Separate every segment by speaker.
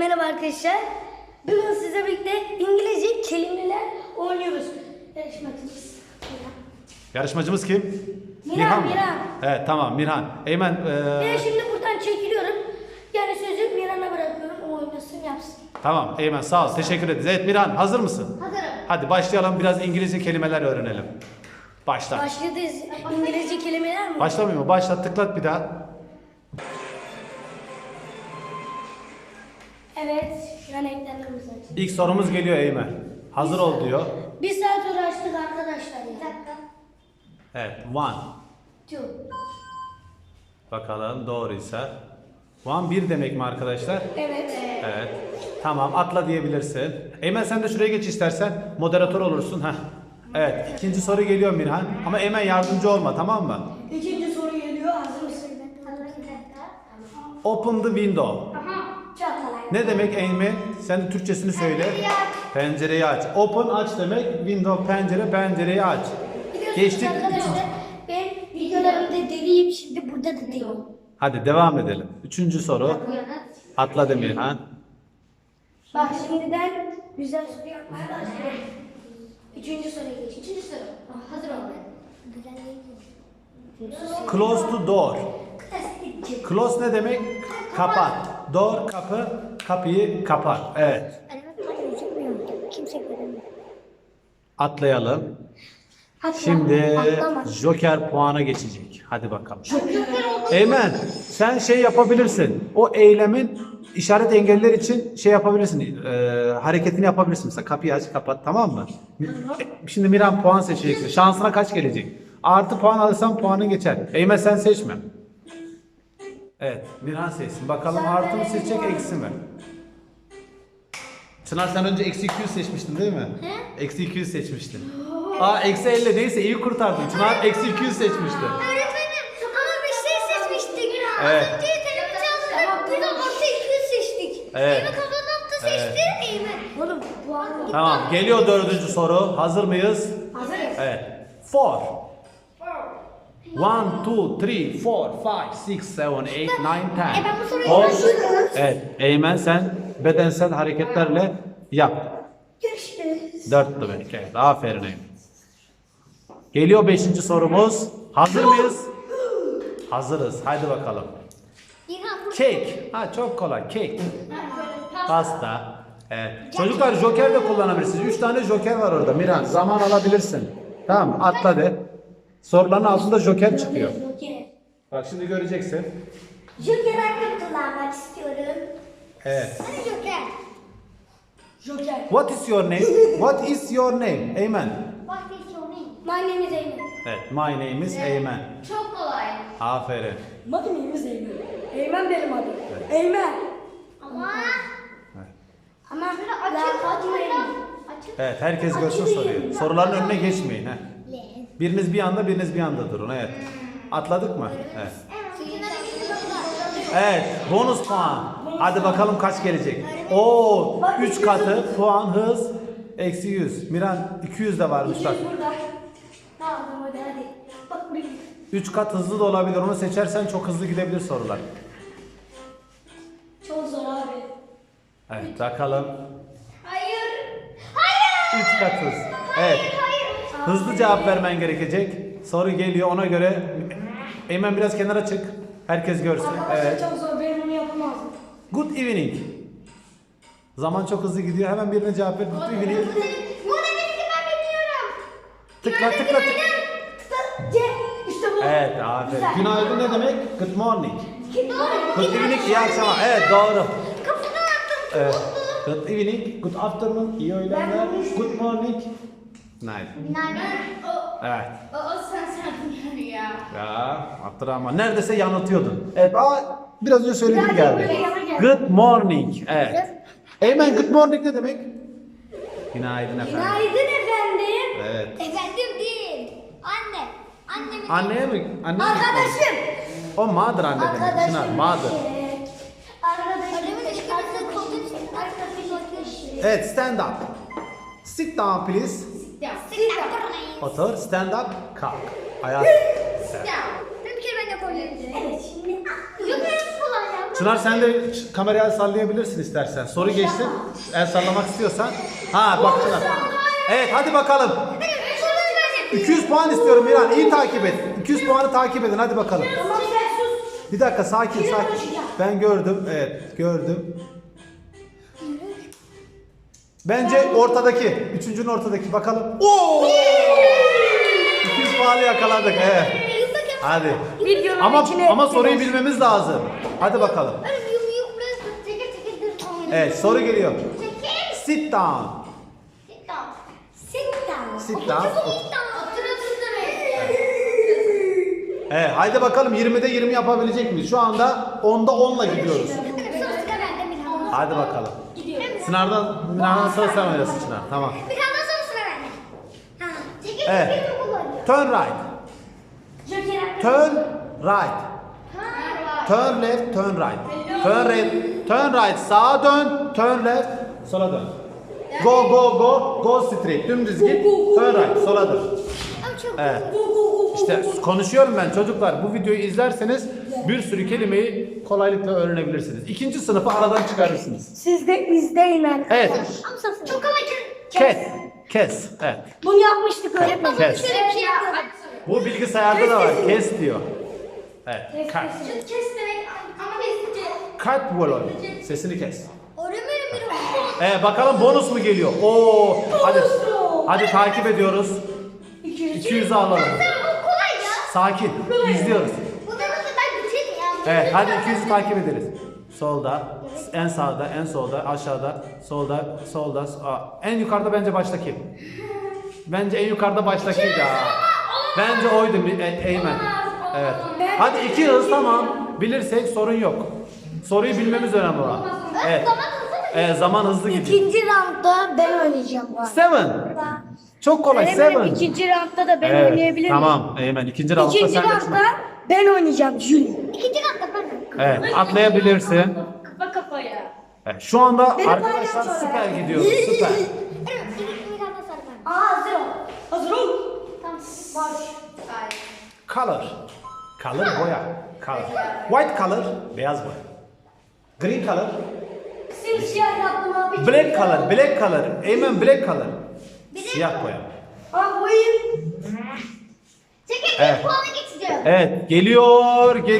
Speaker 1: Merhaba arkadaşlar. Bugün sizle birlikte İngilizce kelimeler oynuyoruz.
Speaker 2: Yarışmacımız kim?
Speaker 1: Mirhan.
Speaker 2: mı?
Speaker 1: Mirhan.
Speaker 2: Evet tamam Mirhan. Eymen.
Speaker 1: Ben şimdi buradan çekiliyorum. Yani sözü Mirhan'a bırakıyorum. O oynasın yapsın.
Speaker 2: Tamam Eymen sağ ol. Teşekkür ederiz. Evet Mirhan hazır mısın?
Speaker 1: Hazırım.
Speaker 2: Hadi başlayalım biraz İngilizce kelimeler öğrenelim. Başla.
Speaker 1: Başlıyoruz. İngilizce kelimeler mi?
Speaker 2: Başlamıyor mu? Başla tıklat bir daha.
Speaker 1: Evet. Ben ekranlarımızı açtım.
Speaker 2: İlk sorumuz geliyor Eymen. Hazır ol diyor.
Speaker 1: Bir saat uğraştık arkadaşlar ya. Bir dakika.
Speaker 2: Evet one.
Speaker 1: Two.
Speaker 2: Bakalım doğruysa. One bir demek mi arkadaşlar?
Speaker 1: Evet.
Speaker 2: Evet. Tamam atla diyebilirsin. Eymen sen de şuraya geç istersen. Moderatör olursun. Heh. Evet ikinci soru geliyor Mirhan. Ama Eymen yardımcı olma tamam mı?
Speaker 1: İkinci soru geliyor. Hazır mısın?
Speaker 2: Open the window.
Speaker 1: Çok kolay.
Speaker 2: Ne demek Eymen? Sen de Türkçesini söyle. Pencereyi aç. Open aç demek. Window pencere, pencereyi aç.
Speaker 1: Biliyorsunuz
Speaker 2: Geçtik.
Speaker 1: arkadaşlar ben videolarımda deliyim, şimdi burada da deliyim.
Speaker 2: Hadi devam edelim. Üçüncü soru. Atla Demirhan.
Speaker 1: Bak şimdiden güzel soru yapmaya başlıyorum. Üçüncü soruya geç. Üçüncü soru. Hazır ol.
Speaker 2: Close to door. Close ne demek? Kapat. Door kapı. Kapıyı kapat. Evet.
Speaker 1: Kimse göremiyor.
Speaker 2: Atlayalım.
Speaker 1: Atla,
Speaker 2: Şimdi
Speaker 1: atlama.
Speaker 2: Joker puana geçecek. Hadi bakalım. Eymen sen şey yapabilirsin. O eylemin işaret engeller için şey yapabilirsin. Hareketini yapabilirsin. Mesela kapıyı aç kapat tamam mı? Şimdi Miran puan seçeceksin. Şansına kaç gelecek? Artı puan alırsan puanın geçer. Eymen sen seçme. Evet Miran seçsin. Bakalım artı mı seçecek eksi mi? Çınar sen önce eksi 200 seçmiştin değil mi? Eksi 200 seçmiştin. Aa eksi 50 neyse iyi kurtardın. Çınar eksi 200 seçmişti.
Speaker 3: Öğretmenim ama bir şey seçmiştik.
Speaker 2: Evet.
Speaker 3: Az önce televizyon çaldık. Biz orta 200 seçtik.
Speaker 2: Evet.
Speaker 3: Eymen kafanı seçti. Eymen.
Speaker 1: Oğlum puan
Speaker 2: Tamam geliyor dördüncü soru. Hazır mıyız?
Speaker 1: hazırız.
Speaker 2: Evet. 4. 1, 2, 3, 4, 5, 6, 7, 8, 9, 10.
Speaker 3: ben bu soruyu
Speaker 2: 10.
Speaker 3: başlıyorum.
Speaker 2: Evet. Eymen sen bedensel hareketlerle yap.
Speaker 1: Görüşürüz.
Speaker 2: 4 demek. Evet. Aferin Eymen. Geliyor 5. sorumuz. Hazır mıyız? Hazırız. Haydi bakalım. Cake. Ha çok kolay. Cake. Pasta. Evet. Çocuklar joker de kullanabilirsiniz. 3 tane joker var orada. Miran zaman alabilirsin. Tamam mı? Atla de. Soruların altında joker çıkıyor.
Speaker 1: Joker.
Speaker 2: Bak şimdi göreceksin.
Speaker 1: Joker hakkı kullanmak istiyorum.
Speaker 2: Evet.
Speaker 3: Hadi Joker.
Speaker 1: Joker.
Speaker 2: What is your name? What is your name? Eymen.
Speaker 3: What is your name?
Speaker 1: My name is Eymen.
Speaker 2: Evet. My name is Eymen.
Speaker 3: Çok kolay.
Speaker 2: Aferin.
Speaker 1: My name is Eymen. Eymen benim adım. Eymen.
Speaker 3: Ama
Speaker 1: Ama
Speaker 3: açık
Speaker 1: atmayın.
Speaker 3: Açık.
Speaker 2: Evet. Herkes görsün soruyu. Soruların önüne geçmeyin. Heh. Biriniz bir anda, biriniz bir anda durun. Evet. Atladık mı? Evet. Evet. Bonus puan. Hadi bakalım kaç gelecek. Oo, 3 katı puan hız eksi 100. Miran 200 de varmış bak.
Speaker 1: Burada. Tamam hadi. Bak buraya.
Speaker 2: 3 kat hızlı da olabilir. Onu seçersen çok hızlı gidebilir sorular.
Speaker 1: Çok zor abi.
Speaker 2: Evet bakalım.
Speaker 3: Hayır. Hayır.
Speaker 2: 3 kat hız. Evet.
Speaker 3: Hayır.
Speaker 2: Hızlı cevap vermen gerekecek. Soru geliyor ona göre. Eymen biraz kenara çık. Herkes görsün.
Speaker 1: Arkadaşlar
Speaker 2: Evet.
Speaker 1: çok zor. Ben bunu yapamazdım.
Speaker 2: Good evening. Zaman çok hızlı gidiyor. Hemen birine cevap ver. Good evening.
Speaker 3: Bu da benim ki ben bilmiyorum.
Speaker 2: Tıkla tıkla tıkla.
Speaker 1: C. İşte bu.
Speaker 2: Evet aferin.
Speaker 1: Güzel.
Speaker 2: Günaydın ne demek? Good morning.
Speaker 3: Doğru.
Speaker 2: Good evening iyi akşamlar. Evet doğru.
Speaker 3: Kapıdan attım.
Speaker 2: Evet. Good evening. Good afternoon. İyi öğlenler. Good morning. Night. Evet.
Speaker 3: O sen ya.
Speaker 2: Ya Abdurrahman neredeyse yanıltıyordun. Evet biraz önce söylediğim
Speaker 1: Biraz
Speaker 2: geldi.
Speaker 1: böyle yana gel.
Speaker 2: Good morning. Evet. Eymen good morning ne demek? Günaydın efendim.
Speaker 1: Günaydın efendim.
Speaker 2: Evet.
Speaker 3: Efendim değil. Anne. Annemin.
Speaker 2: Anneye mi? Anneye mi?
Speaker 1: Arkadaşım.
Speaker 2: O mother anne demek. Çınar
Speaker 1: Arkadaşım.
Speaker 2: mother.
Speaker 3: Annemin eşkısı koltuğun üstünde arkadaşım.
Speaker 2: Evet stand up. Sit down please.
Speaker 3: Sit down.
Speaker 2: Otur. Stand up. Kalk. Ayağa.
Speaker 3: Sit down. Bir kere ben yapabilirim.
Speaker 1: Evet şimdi.
Speaker 3: Yok benim kolay ya.
Speaker 2: Çınar sen de kamerayı el sallayabilirsin istersen. Soru geçti. El sallamak istiyorsan. Ha bak Çınar. Evet hadi bakalım. 200 puan istiyorum Miran. İyi takip et. 200 puanı takip edin hadi bakalım.
Speaker 1: Tamam sen sus.
Speaker 2: Bir dakika sakin sakin.
Speaker 1: konuşacağım.
Speaker 2: Ben gördüm. Evet gördüm. Bence ortadaki. Üçüncünün ortadaki. Bakalım. Oo! 200 puanı yakaladık. Evet. Hadi.
Speaker 1: Videonun
Speaker 2: Ama
Speaker 1: içine
Speaker 2: soruyu bilmemiz lazım. Hadi bakalım. Evet soru geliyor. Sit down. Sit down. Evet haydi bakalım 20'de 20 yapabilecek miyiz? Şu anda 10'da 10'la gidiyoruz. Hadi bakalım. Sınavdan sonra sen oynasın Çınar. Tamam. Evet. Turn right. Turn right. Turn left, turn right. Turn right. Sağa dön, turn left, sola dön. Go straight. Dümdüz git. Turn right, sola dön. Evet. İşte konuşuyorum ben çocuklar. Bu videoyu izlerseniz bir sürü kelimeyi kolaylıkla öğrenebilirsiniz. İkinci sınıfı aradan çıkarırsınız.
Speaker 1: Siz de izleyin ben.
Speaker 2: Evet.
Speaker 3: Çok ama
Speaker 2: Kes. Evet.
Speaker 1: Bunu yapmıştık öğretmenim.
Speaker 2: Kes.
Speaker 3: şöyle bir şey yapmadım.
Speaker 2: Bu bilgisayarda da var. Kes diyor. Evet. Cut.
Speaker 3: Kes demek ama kesince.
Speaker 2: Cut volüm. Sesini kes.
Speaker 3: Öğrenmenim bir
Speaker 2: Bakalım bonus mu geliyor? Oo. Hadi takip ediyoruz. 200'ü alalım.
Speaker 3: Bu kolay ya.
Speaker 2: Sakin. İzliyoruz.
Speaker 3: Bu da nasıl ben bitirdim ya.
Speaker 2: Evet hadi 200'ü takip ederiz. Solda, en sağda, en solda, aşağıda, solda. En yukarıda bence baştaki. Bence en yukarıda baştakiydi ha. Bence oydu Eymen. Evet. Hadi 2 hız tamam. Bilirsek sorun yok. Soruyu bilmemiz önemli olan. Evet. Zaman hızlı gidiyor.
Speaker 1: İkinci roundda ben oynayacağım bu arada.
Speaker 2: 7. Çok kolay.
Speaker 1: Öğretmenim
Speaker 2: 7.
Speaker 1: ikinci roundda da ben
Speaker 2: Evet.
Speaker 1: oynayabilir miyim?
Speaker 2: Tamam Eymen. İkinci roundda
Speaker 1: İkinci
Speaker 2: sen de
Speaker 1: roundda ben oynayacağım Julie.
Speaker 3: İkinci katta ben.
Speaker 2: Evet. Atlayabilirsin.
Speaker 3: Kafa kafaya.
Speaker 2: Evet, şu anda
Speaker 1: Benim
Speaker 2: arkadaşlar
Speaker 1: paylaşım
Speaker 2: süper
Speaker 1: olarak.
Speaker 2: gidiyoruz. Süper.
Speaker 1: Hazır ol. Hazır ol.
Speaker 3: Tamam. Boş.
Speaker 2: Color. Color boya. Color. White color beyaz boya. Green color.
Speaker 1: Simsiyah yaptım abi.
Speaker 2: Black color. Black color. Eymen black color. Siyah boya.
Speaker 1: Abi boyayım.
Speaker 3: Çekil
Speaker 2: Evet.
Speaker 3: bir puanı geçeceğim.
Speaker 2: Evet geliyor. 6.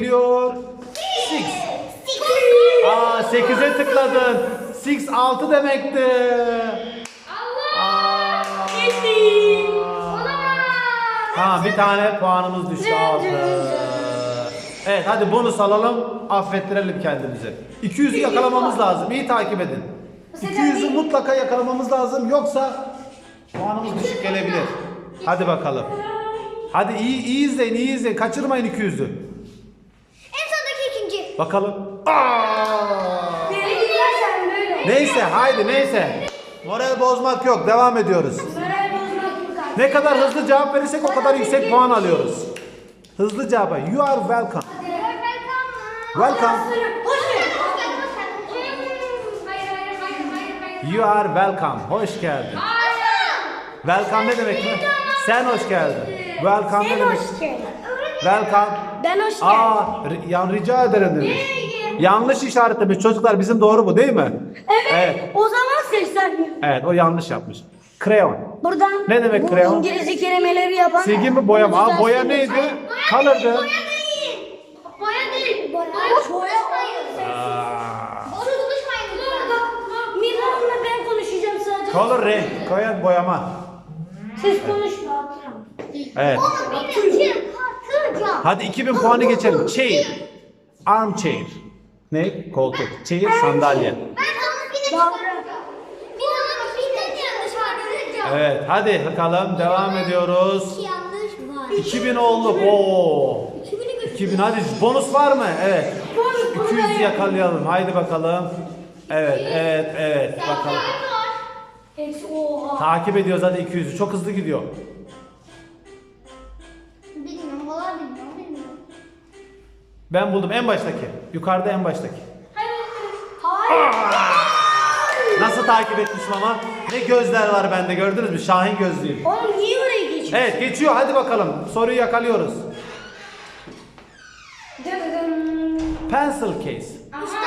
Speaker 2: 8'e tıkladın. 6 demekti. Allah. Tamam bir tane puanımız düştü 6. Evet hadi bonus alalım. Affettirelim kendimizi. 200'ü yakalamamız lazım. İyi takip edin. 200'ü mutlaka yakalamamız lazım. Yoksa puanımız düşük gelebilir. Hadi bakalım. Hadi iyi izleyin. Kaçırmayın 200'ü.
Speaker 3: En sondaki ikinci.
Speaker 2: Bakalım.
Speaker 1: Beni dinlersen böyle.
Speaker 2: Neyse. Moral bozmak yok. Devam ediyoruz.
Speaker 1: Moral bozmak yok abi.
Speaker 2: Ne kadar hızlı cevap verirsek o kadar yüksek puan alıyoruz. Hızlı cevap. You are welcome. Welcome. You are welcome. Hoş geldin. Welcome ne demek mi? Sen hoş geldin. Welcome ne
Speaker 1: Sen
Speaker 2: demek?
Speaker 1: hoş geldin.
Speaker 2: Welcome.
Speaker 1: Ben hoş geldim.
Speaker 2: Rica ederim demiş. Yanlış işaretlemiş çocuklar, bizim doğru bu değil mi?
Speaker 1: Evet. O zaman sesler.
Speaker 2: Evet o yanlış yapmış. Crayon.
Speaker 1: Buradan
Speaker 2: Ne demek
Speaker 1: bu
Speaker 2: kreyon?
Speaker 1: İngilizce kelimeleri yapan.
Speaker 2: Silgi mi boya mı?
Speaker 1: Bunu
Speaker 2: Boya
Speaker 1: düzelsin.
Speaker 2: neydi? Color'dı.
Speaker 3: Boya değil.
Speaker 1: Boya.
Speaker 3: Doğru konuşmayın lütfen.
Speaker 1: Mirhan'la ben konuşacağım sadece.
Speaker 2: Color renk. Koyan boyama.
Speaker 1: Siz konuşma.
Speaker 2: Evet.
Speaker 3: Onu bilmiyorum. Katılacağım.
Speaker 2: Hadi 2000 puanı geçelim. Chair. Armchair. Ne? Koltuk. Chair sandalye.
Speaker 3: Ben onu yine çıkaracağım. Bir onu bir yanlış var.
Speaker 2: Evet hadi bakalım devam ediyoruz.
Speaker 3: Yanlış var.
Speaker 2: 2000 olduk. Oo. 2000 hadi bonus var mı? Evet. 200 yakalayalım. Haydi bakalım. Evet. Bakalım.
Speaker 1: Eksi oha.
Speaker 2: Takip ediyoruz hadi 200'ü. Çok hızlı gidiyor.
Speaker 3: Bilmiyorum. Valla bilmiyorum.
Speaker 2: Ben buldum en baştaki. Yukarıda en baştaki.
Speaker 1: Hayır.
Speaker 2: Nasıl takip etmişim ama? Ne gözler var bende gördünüz mü? Şahin gözlüyüm.
Speaker 1: Oğlum niye oraya geçiyorsun?
Speaker 2: Evet geçiyor hadi bakalım. Soruyu yakalıyoruz. Pencil case.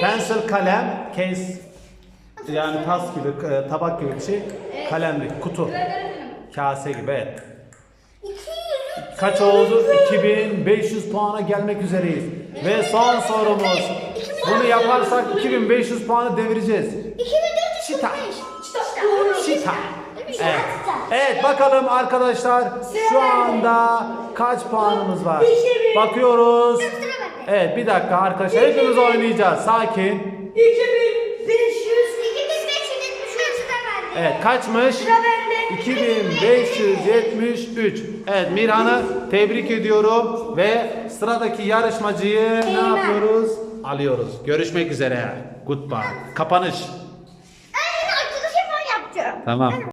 Speaker 2: Pencil kalem, case yani tas gibi, tabak gibi bir şey. Kalemlik, kutu. Kase gibi, evet.
Speaker 3: 200.
Speaker 2: Kaç oldu? 2500 puana gelmek üzereyiz. Ve son sorumuz. Bunu yaparsak 2500 puanı devireceğiz.
Speaker 3: 2445.
Speaker 2: Şita.
Speaker 3: Doğru.
Speaker 2: Şita. Evet. Evet bakalım arkadaşlar şu anda kaç puanımız var? Bakıyoruz. Evet bir dakika arkadaşlar hepimiz oynayacağız. Sakin.
Speaker 3: 2573 da bende.
Speaker 2: Evet kaçmış? 2573. Evet Mirhan'ı tebrik ediyorum ve sıradaki yarışmacıyı ne yapıyoruz? Alıyoruz. Görüşmek üzere. Goodbye. Kapanış.
Speaker 3: Ben yine arkadaşım yapacağım.
Speaker 2: Tamam.